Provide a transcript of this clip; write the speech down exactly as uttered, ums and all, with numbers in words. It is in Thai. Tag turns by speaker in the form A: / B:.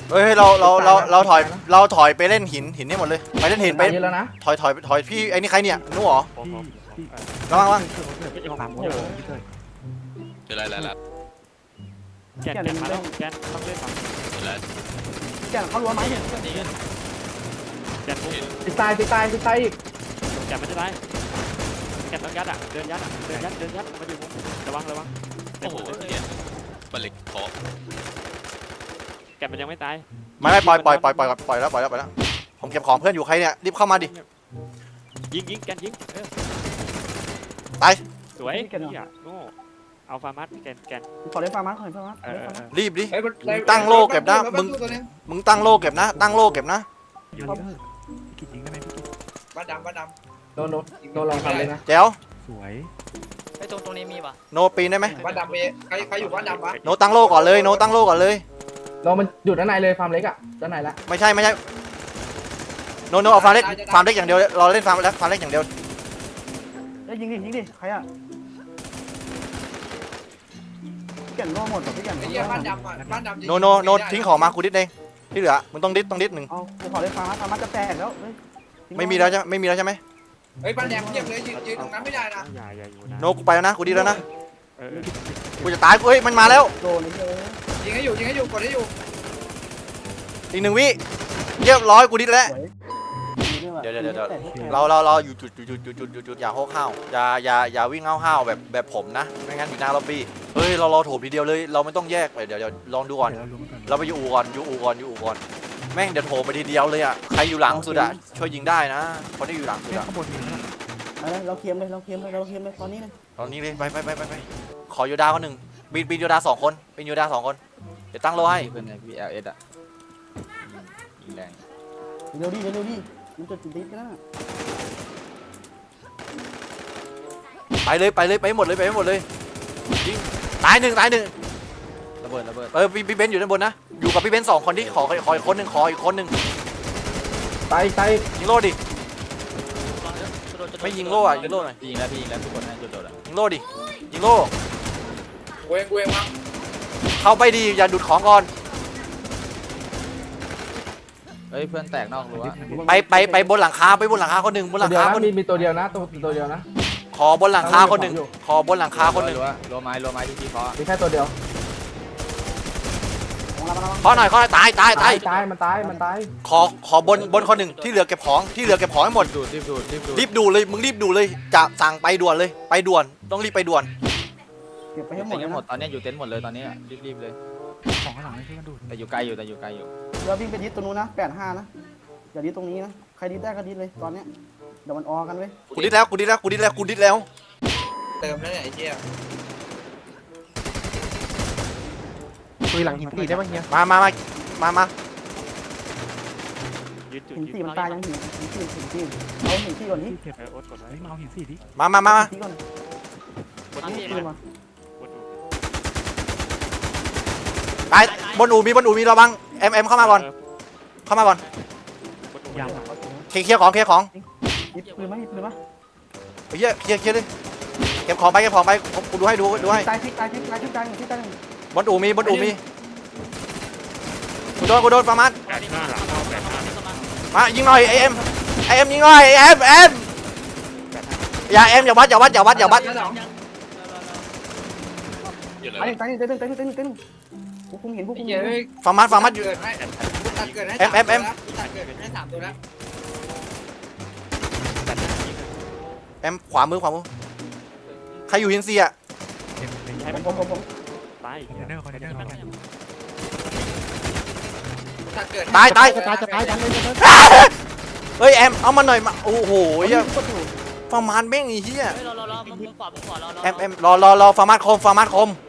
A: เฮ้ยเราเราเราเราถอยเราถอยไปเล่นหินหินนี่หมดเลยไปเล่นหินไป
B: เยอะแล้วนะ
A: ถอยถอยถอยพี่ไอ้นี่ใครเนี่ยนู้เหรอ
C: ผมผมพี่
A: ระวังระวัง
C: สามคนพี่เตย
D: เจอแล้วแล้วแล้ว
C: แกนแกนมาแล้วแกนต้องเล่นฝั่ง
D: เจอแล้ว
E: แกเขารั้วไหมเนี่ย
C: แกนปุ๊บ
B: ติดตายติดตายติดตายอีก
C: แกนไม่ได้ไรแกนต้องยัดอ่ะเดินยัดอ่ะเดินยัดเดินยัดมาอยู่มุมระวังระวัง
D: โอ้โหเนี่ยบัลลิกขอ
C: แกนมันยังไม่ตาย
A: ไม่ไม่ปล่อยปล่อยปล่อยปล่อยปล่อยแล้วปล่อยแล้วปล่อยแล้วผมเก็บของเพื่อนอยู่ใครเนี่ยรีบเข้ามาดิ
C: ยิงยิงแกนยิงเออ
A: ตาย
C: สวยเฮียโง่เอาฟาร์มัสแกนแกน
E: ขอเล่นฟาร์มัสขอเล่นฟาร์มัส
C: เออเออ
A: รีบดิ
F: เฮ้ย
A: ตั้งโลเก็บนะมึงมึงตั้งโลเก็บนะตั้งโลเก็บนะ
C: อยู่นี่พี่กิจยิงได้ไหมพี่กิจ
F: บ้านดำบ้านด
B: โดนโดนโดนลองทำเลยนะ
A: แจ๋ว
C: สวย
G: ไอ้ตรงตรงนี้มีป่ะ
A: โนปีนได้ไหม
F: ำบ้านดำเอใครใครอยู่บ้านดำวะ
A: โนตั้งโลก่อนเลยโนตั้งโลก่อนเลย
B: เรามันหยุดด้านในเลยฟาร์มเล็กอ่ะด้านในละ
A: ไม่ใช่ไม่ใช่โนโนเอาฟาร์มเล็กฟาร์มเล็กอย่างเดียวเราเล่นฟาร์มเล็กฟาร์มเล็กอย่างเดียว
E: เอ้ยยิงดิยิงดิใครอ่ะแก่นรั่วหมดแบบพี่แก่น
F: ไอ้เหี้ยบ้านดำอ่ะบ้านดำ
A: โนโนโนทิ้งของมากูดิดเองที่เหลือมึงต้องดิดต้องดิดหนึ่ง
E: เอากูขอเล่นฟาร์มัสฟาร์มัสจะแตกแล้วเฮ้ย
A: ไม่มีแล้วใช่ไม่มีแล้วใช่ไหม
F: เฮ้ยบ้านแดงเทียบเลยยืนยืนตรงนั้นไม่ได้นะ
C: อย่าอย่าอยู่นะ
A: โนกูไปแล้วนะกูดิดแล้วนะ
C: เออ
A: กูจะตายกูเฮ้ยมันมาแล้ว
E: โดนเลยเฮ้ย
F: ยิงให้อยู่ยิงให้อยู่กดให้อยู่
A: อีกหนึ่งวิเรียบร้อยกูดิดแล้ว
E: สวย
A: เดี๋ยวเดี๋ยวเดี๋ยว เราเราเราอยู่จุดจุดจุดจุดจุดจุดอย่าโค้งห้าวอย่าอย่าอย่าวิ่งห้าวห้าวแบบแบบผมนะไม่งั้นอยู่หน้าล็อบบี้เฮ้ยเราเราโถมทีเดียวเลยเราไม่ต้องแยกไปเดี๋ยวเดี๋ยวลองดูก่อน
C: เดี๋ยวเราลุ้นกัน
A: เราไปอยู่อู่ก่อนอยู่อู่ก่อนอยู่อู่ก่อนแม่งเดี๋ยวโถมไปทีเดียวเลยอ่ะใครอยู่หลังสุดอ่ะช่วยยิงได้นะคนที่อยู่หลังสุด
C: เฮ้ย
A: อ่ะ
C: ข้างบนมีนะ
E: เอาเลยเราเคลียมเลยเราเคลียมเลยเราเคลียมเลยตอนนี้เลย
A: ตอนนี้เลยไปไปไปไปไปขอโยดาคนหนึ่งบินบินโยดาสองคนบินโยดาสองคนเดี๋ยวตั้งโลให้
D: เพื่อนในพีเอลเอสอ่ะยิงแรง
E: เร็วดิเร็วดิมันจะติดติดกันนะ
A: ไปเลยไปเลยไปหมดเลยไปหมดเลยยิงตายหนึ่งตายหนึ่ง
D: ระเบิดระเบิด
A: เออพี่พี่เบนซ์อยู่ด้านบนนะอยู่กับพี่เบนซ์สองคนที่ขอขออีกคนหนึ่งขออีกคนหนึ่ง
B: ตายตาย
A: ยิงโลดิไม่ยิงโลอ่ะยิงโลหน่อย
D: พี่ยิงแล้วพี่ยิงแล้วทุกคนให้โดดๆอ่ะ
A: ยิงโลดิยิงโล
F: กูเองกูเองมั้ง
A: เข้าไปดีอย่าดูดของก่อน
D: เฮ้ยเพื่อนแตกนอกรั้ว
A: ไปไปไปบนหลังคาไปบนหลังคาคนหนึ่งบนห
B: ตั
A: ลั
B: ว
A: ง
B: เดียว
A: คา
B: นะ
A: คนห
B: มี
A: นึ่ง
B: มีตัวเดียวนะตัวตัวเดียวนะ
A: ขอบนหลังคาคนหนึ่งขอบนหลังคาคนหนึ่ง
D: รั้วรั้วไม้รั้วไม้ที่พี่เคาะ
B: มีแค่ตัวเดียว
E: ของเราเรา
A: ขอหน่อยขอหน่อยตายตายตาย
B: ตายมันตายมันตาย
A: ขอขอบนบนคนหนึ่งที่เหลือเก็บของที่เหลือเก็บของให้หมด
D: ดูดรีบดูดรีบดูด
A: รีบดูเลยมึงรีบดูเลยจะสั่งไปด่วนเลยไปด่วนต้องรีบไปด่วน
E: เก็บไป
D: เต็
E: ให้หมด
D: ม
E: เลย
D: หมด
E: นะ
D: ตอนนี้อยู่เต็นท์หมดเลยตอนนี้รีบรีบเลย
C: ของข้างหลังไม่ช่วยกันดูด
D: แต่อยู่ไกลอยู่แต่อยู่ไกลอยู่
E: เราวิ่งไปดิสตรงนู้นนะแปดห้านะอย่าดิสตรงนี้นะใครดิสได้ก็ดิสเลยตอนเนี้ยเดี๋ยวมันออกันเว้ย
A: กูดิดแล้วกูดิดแล้วกูดิดแล้วกูดิดแล้ว
F: เติมแล้วเนี่ยไอ้เหี้ย
C: คุยหลังหินตีได้ป่ะเฮีย
A: มามามามามา
C: ยืนจุด
E: หิน
C: ยื
E: สี่
C: น
E: มันตายยังหินหินสี่หินสี่เอาหินสี่ก่อนนี่
C: เก็บเออโอ๊ตกดไว้มาเอาหินสี่ดิ
A: มามามามา
E: สี่ก่อน
C: กด
E: หิ
C: ดู
E: นสี่มา
C: กดดู
A: ตายบนอู่มีบนอู่มีระวังเอ็มเอ็มเข้ามาก่อนเข้ามาก่อน
C: กดดูยัง
A: เคลียร์เคลียร์ของเคลียร์ของ
E: หยิบปืนมาหยิบปืนมา
A: ไอ้เหี้ยเคลียร์เคลียร์เลยเก็บของไปเก็บของไปผมกูดูให้ดูดูให้
E: ตายทิกตายทิกตายทิกตายหนึ่งทิกตายหนึ่ง
A: บนอู่มีบนอู่มีกูโดนกูโดนประมาณ
C: แปดห้าหลังเข้าแปดห้า
A: มายิงหน่อยไอเอ็มไอเอ็มยิงหน่อยเอ็มเอ็มอย่าเอ็มอย่าวัดอย่าวัดอย่าวัดอย่าวัด
D: อยู่เลย
E: ตายหนึ่งตายหนึ่งตายหนึ่งตายหนึ่งตายหนึ่งตายหนึ่งพวกผมเห็นพวกผ
F: ไอ้
E: ม
F: เหี้
E: เห็
F: ย
E: น
F: เฮ้ย
A: ฟาร์มัสฟาร์มัสอยู่
F: เกิดให้ตัดเกิดให้
A: เอ็มเอ็มเอ็ม
F: ตัดเกิดให้สามตัวแล้ว
C: แปดห้ายิง
A: เอ็มขวามือขวามือใครอยู่หินเซีย
C: เอ็มใช้
E: ผ
C: มัน
E: มผมผมผม
C: ตายคอนเทนเนอร์คอนเทนเนอร์
F: ตัดเกิด
A: ตายตาย
E: จะตายจะตายดันเลยจะ
A: เฮ้ยเอ็มเอามาหน่อยมาโอ้โหเหี้ย
E: กดอยู่
A: ฟาร์มัสแม่งไอ้เหี้ย
G: เฮ้ยรอรอรอมึงขวามึงขวารอรอ
A: เอ็มเอ็มรอรอรอฟาร์มัสคมฟาร์มัสคม